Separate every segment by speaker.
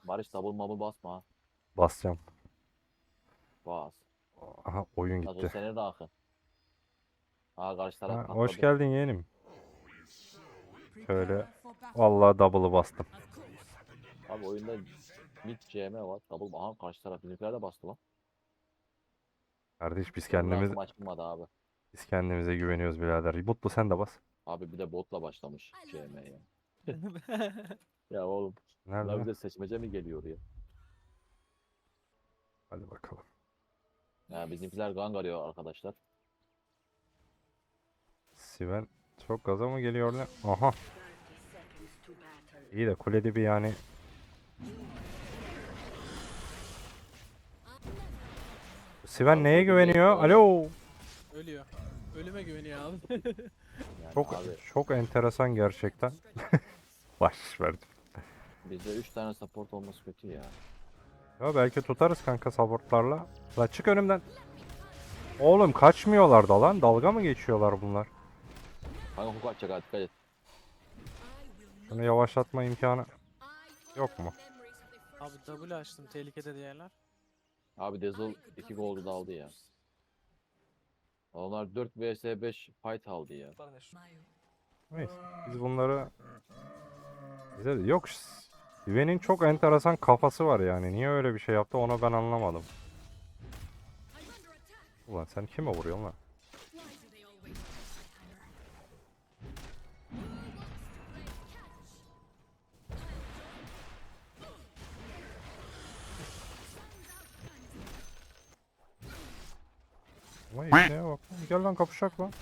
Speaker 1: Barış double mob'u basma ha.
Speaker 2: Basacağım.
Speaker 1: Bas.
Speaker 2: Aha oyun
Speaker 1: Nasıl o
Speaker 2: gitti.
Speaker 1: sene de akın. Aa karşı taraf
Speaker 2: Ha, hoş
Speaker 1: katladı.
Speaker 2: geldin yeğenim. Şöyle vallahi double'ı bastım.
Speaker 1: Abi oyunda mid CM var. Double aha karşı taraf bizimkiler de bastı lan.
Speaker 2: Kardeş
Speaker 1: Benim rankım açılmadı abi.
Speaker 2: biz kendimize güveniyoruz birader. Mutlu sen de bas.
Speaker 1: Abi bir de botla başlamış CM'ye. Ya oğlum. Bunlar
Speaker 2: Nerede?
Speaker 1: bize seçmece mi geliyor ya?
Speaker 2: Hadi bakalım.
Speaker 1: Ya bizimkiler gang arıyor arkadaşlar.
Speaker 2: Sven çok gaza mı geliyor ne? Aha. İyi de kulede bir yani. Sven
Speaker 1: Abi
Speaker 2: neye
Speaker 1: koydum diye
Speaker 2: güveniyor?
Speaker 1: oğlum.
Speaker 2: Alo.
Speaker 3: Ölüyor. Ölüme güveniyor abi.
Speaker 1: Yani
Speaker 2: Çok
Speaker 1: abi
Speaker 2: çok enteresan gerçekten. Baş verdim.
Speaker 1: bizde 3 tane support olması kötü ya.
Speaker 2: Ya belki tutarız kanka supportlarla. La çık önümden. Oğlum kaçmıyorlar da lan. Dalga mı geçiyorlar bunlar?
Speaker 1: Kanka hook atacak ha dikkat et.
Speaker 2: Şunu yavaşlatma imkanı yok mu?
Speaker 3: Abi W açtım. Tehlikede diğerler.
Speaker 1: Abi Dazzle 2 goldu da aldı ya. Onlar 4 vs 5 fight aldı ya.
Speaker 2: Neyse. Biz bunları bize de yok. Sven'in çok enteresan kafası var yani. Niye öyle bir şey yaptı onu ben anlamadım. Ulan sen kime vuruyorsun lan? Vay işine bak. Gel lan kapışak lan.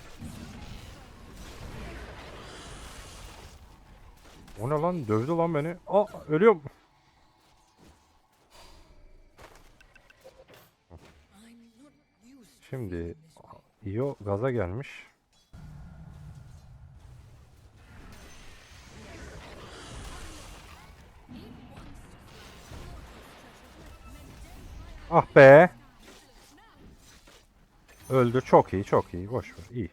Speaker 2: O ne lan? Dövdü lan beni. Aa ölüyorum. Şimdi Io gaza gelmiş. Ah be. Öldü. Çok iyi, çok iyi. Boş ver. İyi.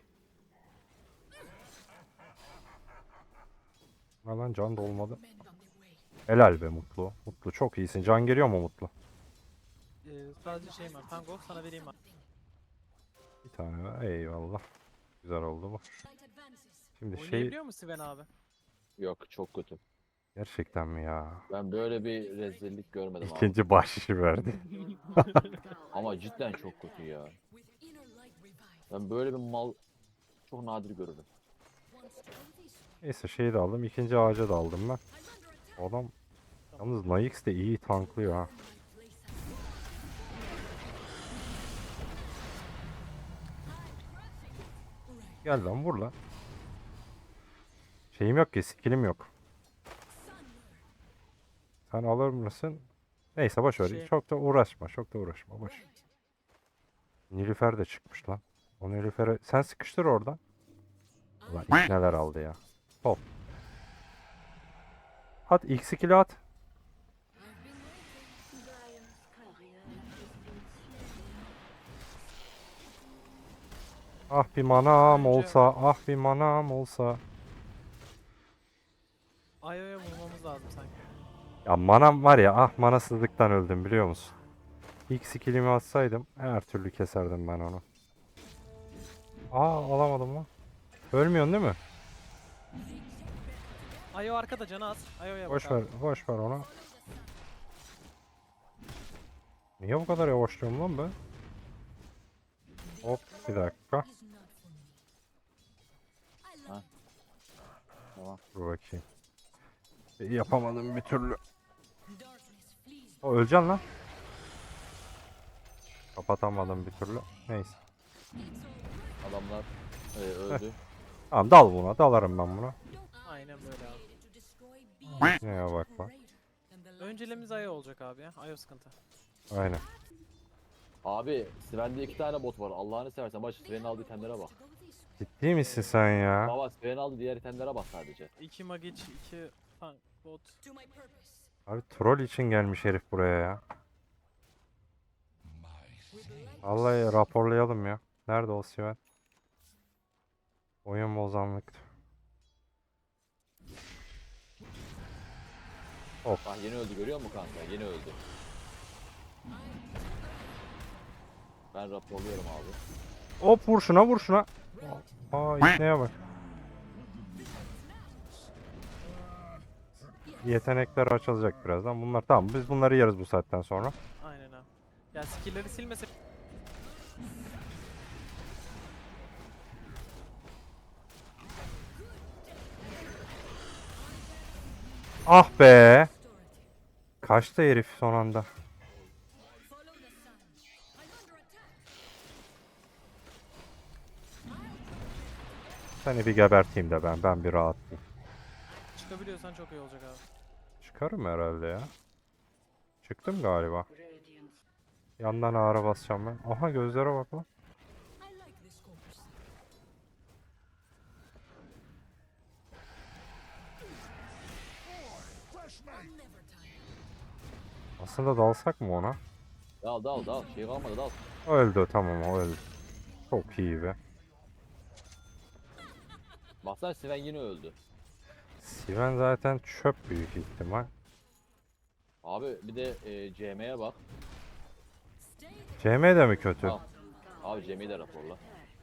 Speaker 2: Ne lan can dolmadı. Helal be Mutlu. Mutlu çok iyisin. Can geliyor mu Mutlu?
Speaker 3: Sadece şeyim var. Tango sana vereyim abi.
Speaker 2: Bir tane var. Eyvallah. Güzel oldu bu. Şimdi şey
Speaker 3: Oynayabiliyor mu Sven abi?
Speaker 1: Yok çok kötü.
Speaker 2: gerçekten mi ya?
Speaker 1: Ben böyle bir rezillik görmedim abi.
Speaker 2: İkinci bahşişi verdi.
Speaker 1: Ama cidden çok kötü ya. Ben böyle bir mal çok nadir görürüm.
Speaker 2: Neyse şeyi de aldım. İkinci ağaca da aldım ben. Adam yalnız Naix de iyi tanklıyor ha. Gel lan vur lan. Şeyim yok ki skillim yok. Sen alır mısın? Neyse boş ver.
Speaker 3: Şey,
Speaker 2: Çok da uğraşma. Çok da uğraşma. Boş. Nilüfer de çıkmış lan. O Nilüfer'e sen sıkıştır oradan. Ulan ilk neler aldı ya. Hop. At ilk skill'i at. Ah bir manam
Speaker 3: Önce-
Speaker 2: olsa. Ah bir manam olsa.
Speaker 3: Ayo'ya vurmamız lazım sanki.
Speaker 2: Ya manam var ya ah manasızlıktan öldüm biliyor musun? İlk skill'imi atsaydım her türlü keserdim ben onu. Aa alamadım lan. Ölmüyorsun değil mi?
Speaker 3: Ayo arkada canı az. Ayo'ya bak
Speaker 2: Boş
Speaker 3: abi.
Speaker 2: ver, boş ver onu. Niye bu kadar yavaşlıyorum lan ben? Hop bir dakika.
Speaker 1: Ha? Tamam.
Speaker 2: Dur bakayım. Yapamadım bir türlü. O öleceksin lan. Kapatamadım bir türlü. Neyse.
Speaker 1: Adamlar öldü.
Speaker 2: Tamam dal buna. Dalarım ben buna.
Speaker 3: Aynen böyle abi.
Speaker 2: Neye bak bak.
Speaker 3: Önceliğimiz Ayo olacak abi ya. Ayo sıkıntı.
Speaker 2: Aynen.
Speaker 1: Abi Sven'de 2 tane bot var. Allah'ını seversen baş Sven'in aldığı itemlere bak.
Speaker 2: Ciddi misin sen ya?
Speaker 1: Baba Sven'in aldığı diğer itemlere bak sadece.
Speaker 3: 2 Magic, 2 tank, bot.
Speaker 2: Abi troll için gelmiş herif buraya ya. Vallahi raporlayalım ya. Nerede o Sven? Oyun bozanlık. Of.
Speaker 1: Bak yeni öldü, görüyor musun kanka? Yeni öldü. Ben raporluyorum abi.
Speaker 2: Hop vur şuna vur şuna. Aa neye bak. Yetenekler açılacak birazdan. Bunlar tamam. Biz bunları yeriz bu saatten sonra.
Speaker 3: Aynen abi. Ya skill'leri silmese
Speaker 2: Ah be. Kaçtı herif son anda. Seni bir geberteyim de ben bir rahatlayayım.
Speaker 3: çıkabiliyorsan çok iyi olacak abi.
Speaker 2: Çıkarım herhalde ya. Çıktım galiba. Yandan ağra basacağım ben. Aha gözlere bak lan. Aslında dalsak mı ona?
Speaker 1: Dal dal dal. Şey kalmadı, dal.
Speaker 2: Öldü tamam o öldü. Çok iyi be.
Speaker 1: Baksana Sven yine öldü.
Speaker 2: Sven zaten çöp büyük ihtimal.
Speaker 1: Abi bir de CM'ye bak.
Speaker 2: CM de mi kötü?
Speaker 1: Al. Abi CM'yi de raporla.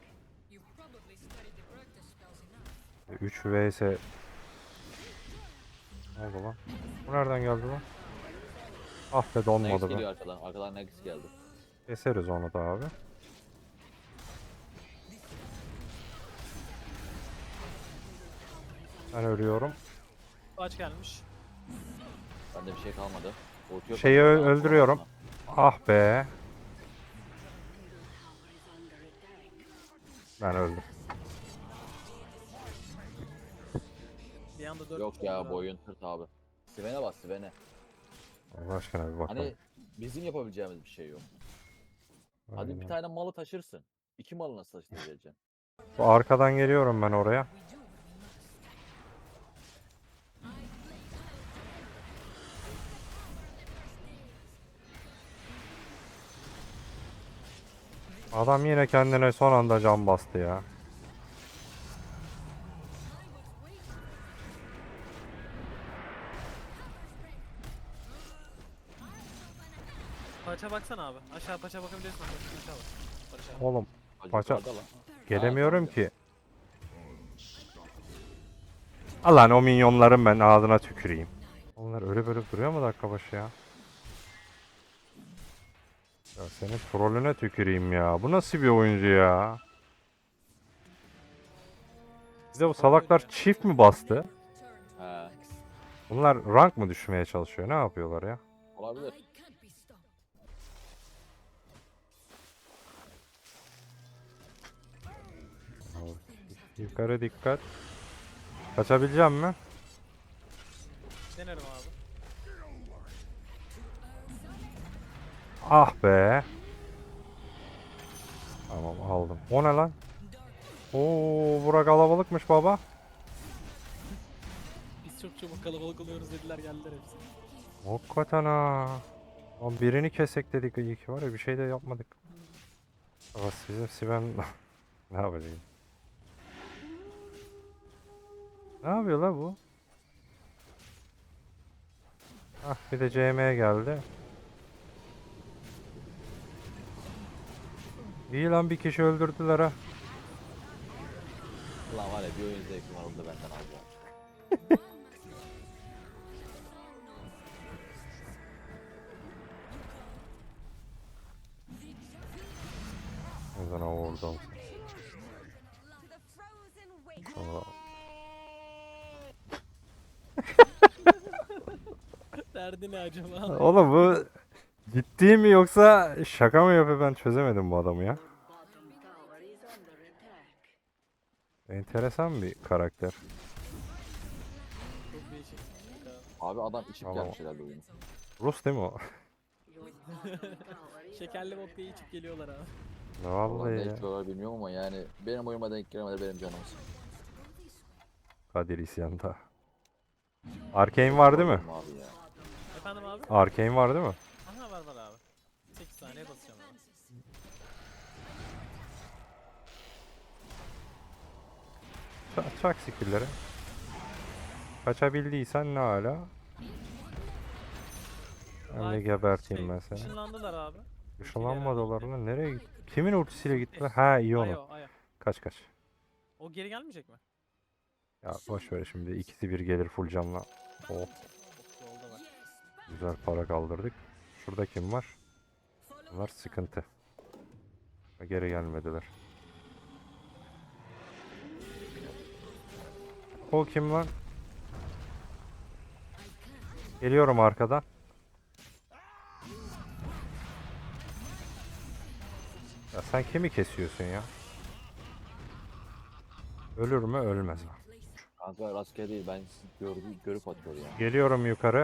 Speaker 2: 3 vs. Ne oldu lan? Bu nereden geldi lan? Ah be
Speaker 1: Nex
Speaker 2: donmadı be.
Speaker 1: geliyor arkadan. Arkadan Nex geldi.
Speaker 2: Keseriz onu da abi. Ben ölüyorum.
Speaker 3: Aç gelmiş.
Speaker 1: Bende bir şey kalmadı. Ulti yok
Speaker 2: Şeyi
Speaker 1: aslında, daha
Speaker 2: öldürüyorum.
Speaker 1: sonra.
Speaker 2: Ah be. Ben öldüm.
Speaker 3: Bir anda 4
Speaker 1: Yok ya, boyun tırt abi. Sven'e bak, Sven'e.
Speaker 2: Allah aşkına bir bakalım.
Speaker 1: Hani bizim yapabileceğimiz bir şey yok. Hadi
Speaker 2: Aynen.
Speaker 1: bir tane malı taşırsın. İki malı nasıl taşıyacaksın?
Speaker 2: Bu arkadan geliyorum ben oraya. Adam yine kendine son anda can bastı ya.
Speaker 3: Paça baksana abi. Aşağı paça bakabiliyorsun. Aşağı bak. Barış abi.
Speaker 2: Oğlum
Speaker 1: Hacı
Speaker 2: Paça-
Speaker 1: yukarıda lan.
Speaker 2: gelemiyorum
Speaker 1: tamam.
Speaker 2: ki. Allah'ın o minyonların ben ağzına tüküreyim. Onlar öyle böyle duruyor mu dakika başı ya? Ya senin trolüne tüküreyim ya. Bu nasıl bir oyuncu ya? Bir de bu salaklar çift mi bastı?
Speaker 1: He,
Speaker 2: Bunlar rank mı düşmeye çalışıyor? Ne yapıyorlar ya?
Speaker 1: olabilir.
Speaker 2: Yukarı dikkat. Kaçabileceğim mi?
Speaker 3: Denerim abi.
Speaker 2: Ah be. Tamam aldım. O ne lan? Oo, bura kalabalıkmış baba.
Speaker 3: Biz çok çabuk kalabalık oluyoruz dediler geldiler hepsi.
Speaker 2: Hakikaten ha. Lan birini kesek dedik iyi ki var ya bir şey de yapmadık. Ama bizim Sven ne yapacak? Ne yapıyor la bu? Ah bir de CM geldi. İyi lan bir kişi öldürdüler ha.
Speaker 1: Ulan var ya, bir oyun zevkim var, onu da benden alacağım.
Speaker 2: O zaman oradan. Sonra
Speaker 3: Derdi ne acaba?
Speaker 2: oğlum bu ciddi mi yoksa şaka mı yapıyor ben çözemedim bu adamı ya. Enteresan bir karakter.
Speaker 3: Çok değişik.
Speaker 1: Abi adam içip
Speaker 2: Tamam.
Speaker 1: gelmiş herhalde oyunu.
Speaker 2: Rus değil mi o?
Speaker 3: Şekerli vodka'yı içip geliyorlar abi.
Speaker 1: Vallahi
Speaker 2: Vallahi
Speaker 1: ne
Speaker 2: ya.
Speaker 1: içiyorlar bilmiyorum ama yani benim oyuma denk gelemedi, benim canım sıkıldı.
Speaker 2: Kadir isyanda. Arcane var değil mi?
Speaker 1: Abi ya.
Speaker 3: Efendim abi?
Speaker 2: Arcane var değil mi?
Speaker 3: Aha var abi. 8 saniye basacağım abi.
Speaker 2: Çak skill'leri. Kaçabildiysen ne hala? Hem de
Speaker 3: Nice.
Speaker 2: geberteyim ben seni.
Speaker 3: Işınlandılar abi.
Speaker 2: Işınlanmadılar lan. Nereye gitti? Kimin ultisiyle gittiler? Ha iyi onu.
Speaker 3: Ayo.
Speaker 2: Kaç kaç.
Speaker 3: O geri gelmeyecek mi?
Speaker 2: Ya boş ver şimdi. İkisi bir gelir full canla. Oh,
Speaker 3: Yolda var.
Speaker 2: güzel para kaldırdık. Şurada kim var? Bunlar sıkıntı. Geri gelmediler. O kim lan? Geliyorum arkadan. Ya sen kimi kesiyorsun ya? Ölür mü? Ölmez mi?
Speaker 1: Kanka rastgele değil, ben görüp atıyor ya.
Speaker 2: Geliyorum yukarı.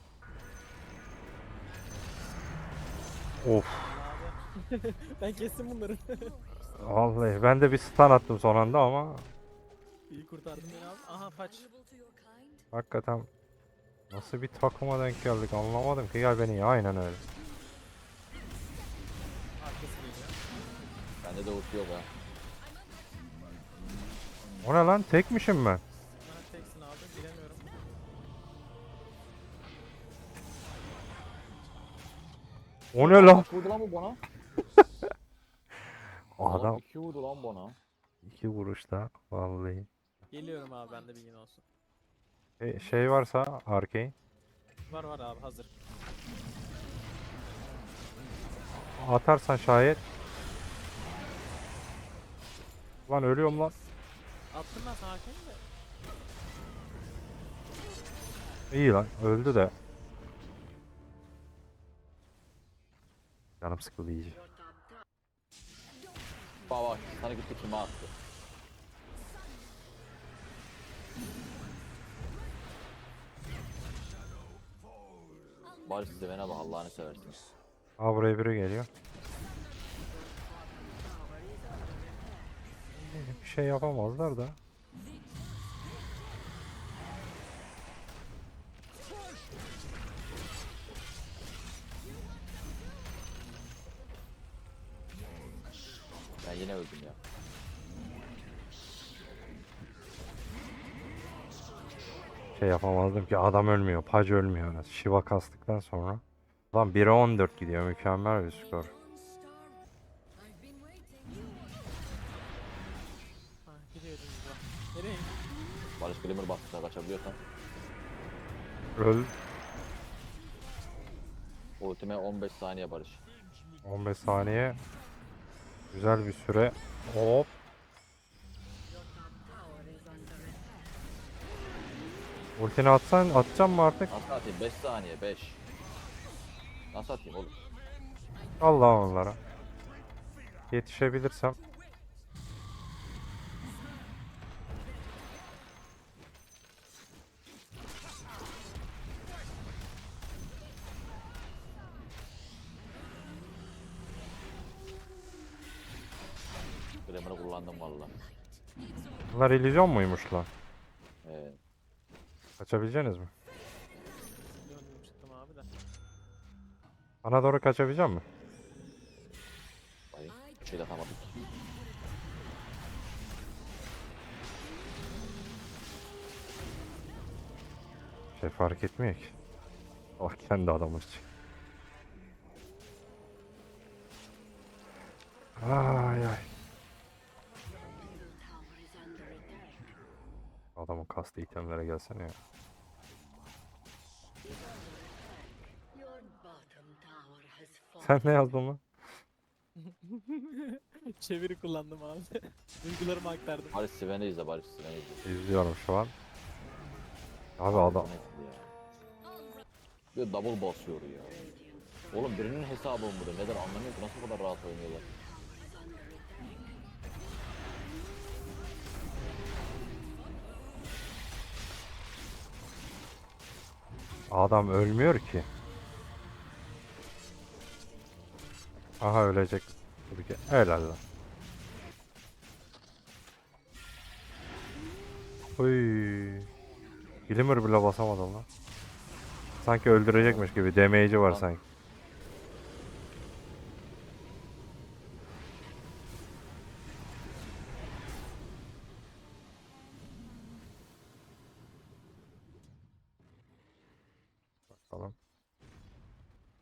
Speaker 2: Of.
Speaker 3: Abi. Ben kestim bunları.
Speaker 2: Vallahi ben de bir stun attım son anda ama
Speaker 3: İyi kurtardın beni abi. Aha paç.
Speaker 2: hakikaten nasıl bir takıma denk geldik anlamadım ki. Gel beni ya, aynen öyle.
Speaker 3: Arkası geliyor.
Speaker 1: Bende de ulti yok ha.
Speaker 2: O ne lan, tekmişim ben.
Speaker 3: Bana teksin abi. Bilemiyorum.
Speaker 2: O ne lan?
Speaker 1: Kaç vurdu lan bu bana?
Speaker 2: Adam
Speaker 1: 2 vurdu lan bana.
Speaker 2: 2 vuruşta vallahi.
Speaker 3: Geliyorum abi, bende bilgin olsun.
Speaker 2: Şey varsa Arcane
Speaker 3: Var abi hazır.
Speaker 2: atarsan şayet. Lan ölüyorum lan.
Speaker 3: Attım ben sana hakemi de.
Speaker 2: İyi lan, öldü de. Canım sıkıldı iyice.
Speaker 1: Bak sana gitti, kime attı? Barış size bana bak, Allah'ını seversin.
Speaker 2: Aa, buraya biri geliyor. Bir şey yapamazlar da.
Speaker 1: Ben yine öldüm ya.
Speaker 2: Şey yapamazdım ki, adam ölmüyor. Pac ölmüyor. Shiva kastıktan sonra. Lan 1'e 14 gidiyor. Mükemmel bir skor.
Speaker 3: Ha gidiyor dümdüz bak. Nereye?
Speaker 1: Barış Glimmer bastı, kaçabiliyorsan.
Speaker 2: Öl.
Speaker 1: Ultime 15 saniye Barış.
Speaker 2: 15 saniye. Güzel bir süre. Hop. Ultini atsan, atacağım mı artık?
Speaker 1: Nasıl atayım? 5 saniye, 5. Nasıl atayım oğlum?
Speaker 2: Allah onlara. Yetişebilirsem.
Speaker 1: Glimmer'ı kullandım valla.
Speaker 2: Bunlar illüzyon muymuş lan?
Speaker 1: Evet.
Speaker 2: Kaçabileceksiniz mi?
Speaker 3: Döndüm çıktım abi de.
Speaker 2: Bana doğru kaçabilecek mi?
Speaker 1: Bayım. Bir şey de atamadık.
Speaker 2: Şey fark etmiyor ki. Oh, kendi adamız. Ay ay. Adamın kastı itemlere gelsene ya. Sen ne yazdın lan?
Speaker 3: Çeviri kullandım abi. Duygularımı aktardım.
Speaker 1: Barış Sven'i izle, Barış Sven'i izle.
Speaker 2: İzliyorum şu an. Abi adam.
Speaker 1: Bu nedir ya? Bir double basıyor ya. Oğlum birinin hesabı mı bu da? Neden anlamıyorum ki, nasıl bu kadar rahat oynuyorlar?
Speaker 2: Adam ölmüyor ki. Aha, ölecek. Tabii ki. Helal lan. Uy. Glimmer bile basamadım lan. Sanki öldürecekmiş gibi. Damage'i var
Speaker 1: Lan.
Speaker 2: sanki. Bakalım.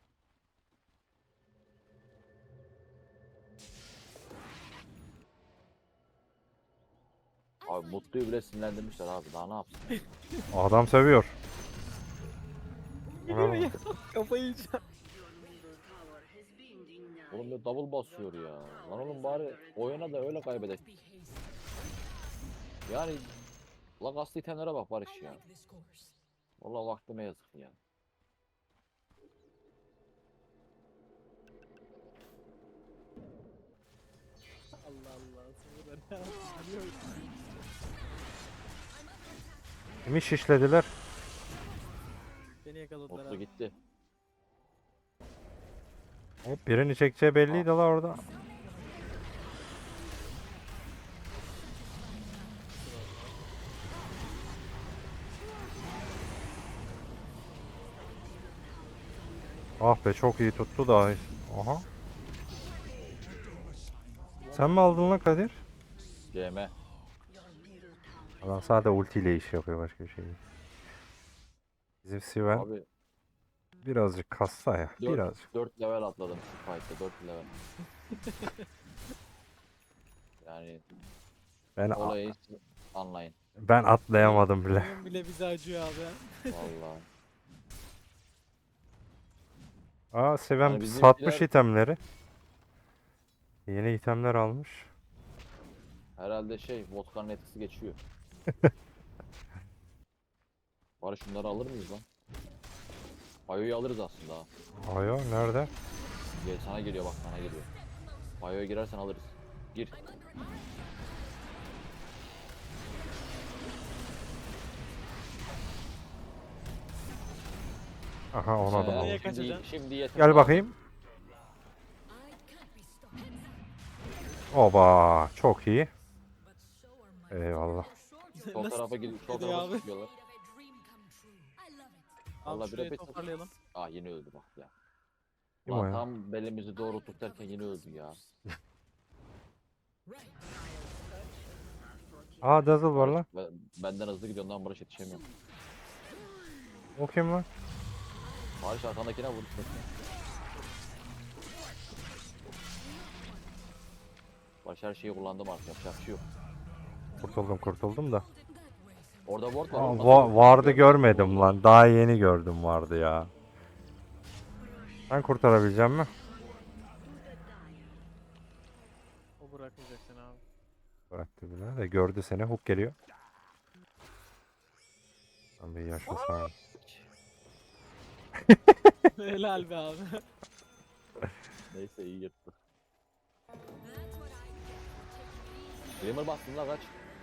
Speaker 1: Abi Mutlu'yu bile sinirlendirmişler abi. Daha ne yapsın?
Speaker 2: Adam sövüyor.
Speaker 3: Geliyor ya. Kafayı yiyeceğim.
Speaker 1: Oğlum ya double basıyor ya. Lan oğlum bari oyuna da öyle kaybedek. Yani la gazlı itemlere bak Barış ya. Vallahi vaktime yazık ya.
Speaker 3: Allah Allah. Sonra ne yapıyor?
Speaker 2: Kimi şişlediler?
Speaker 3: Beni yakaladılar
Speaker 1: Mutlu
Speaker 3: abi.
Speaker 1: gitti.
Speaker 2: Hop birini çekeceği belliydi la orada. Ah be çok iyi tuttu da. Aha. Sen mi aldın lan Kadir?
Speaker 1: CM.
Speaker 2: Adam sadece ultiyle iş yapıyor başka bir şey değil. Bizim Sven
Speaker 1: Abi
Speaker 2: birazcık kassa ya.
Speaker 1: 4,
Speaker 2: Birazcık.
Speaker 1: 4 level atladım şu fight'ta 4 level. Yani
Speaker 2: Ben
Speaker 1: olayı anlayın.
Speaker 2: ben atlayamadım bile.
Speaker 3: Oyun bile bize acıyor abi.
Speaker 1: Vallahi.
Speaker 2: Aa Sven
Speaker 1: Yani
Speaker 2: satmış
Speaker 1: bizimkiler-
Speaker 2: itemleri. Yeni itemler almış.
Speaker 1: Herhalde vodka'nın etkisi geçiyor. Bari şunları alır mıyız lan? Bayo'yu alırız aslında ha.
Speaker 2: Ayo nerede?
Speaker 1: Gel sana geliyor bak sana geliyor. Bayo'ya girersen alırız. Gir.
Speaker 2: Aha ona da
Speaker 3: Nereye
Speaker 2: almış.
Speaker 3: kaçacaksın?
Speaker 1: Şimdi yeter.
Speaker 2: Gel bakayım. Oba çok iyi. Eyvallah.
Speaker 1: Sol tarafa gidip sol
Speaker 3: gidiyor
Speaker 1: tarafa
Speaker 3: abi?
Speaker 1: çıkıyorlar.
Speaker 3: Abi
Speaker 1: Vallahi
Speaker 3: şurayı
Speaker 1: bir
Speaker 3: toparlayalım.
Speaker 1: yine öldü bak ya.
Speaker 2: Kim o
Speaker 1: Ulan
Speaker 2: ya?
Speaker 1: tam belimizi doğrulttuk derken yine öldü ya.
Speaker 2: Aa Dazzle var lan.
Speaker 1: Benden hızlı gidiyor ondan Barış yetişemiyorum.
Speaker 2: O kim lan?
Speaker 1: Barış arkandakine vur. Barış her şeyi kullandım artık yapacak bir şey yok.
Speaker 2: Kurtuldum da.
Speaker 1: Orada ward var.
Speaker 2: Aa,
Speaker 1: oğlum, nasıl ward
Speaker 2: vardı
Speaker 1: görmedin?
Speaker 2: görmedim lan. Daha yeni gördüm vardı ya. Ben kurtarabileceğim mi?
Speaker 3: O bırakmayacak seni abi.
Speaker 2: Bıraktı bile de gördü seni. Hook geliyor. Lan bir yaşasana.
Speaker 3: Helal be abi.
Speaker 1: Neyse iyi yırttı. Glimmer bastın la kaç.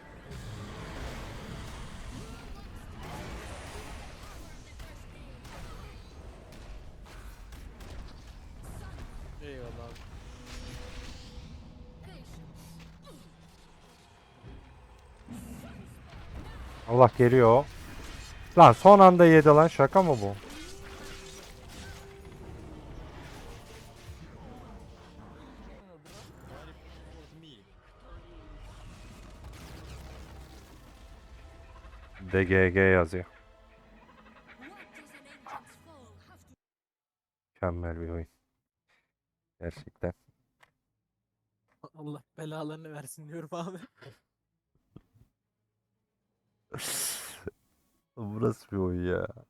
Speaker 3: Eyvallah abi.
Speaker 2: Allah geliyor. Lan son anda yedi lan. Şaka mı bu? DGG yazıyor. Mükemmel bir oyun. Gerçekten.
Speaker 3: Allah belalarını versin diyorum abi.
Speaker 2: Burası bir oyun ya.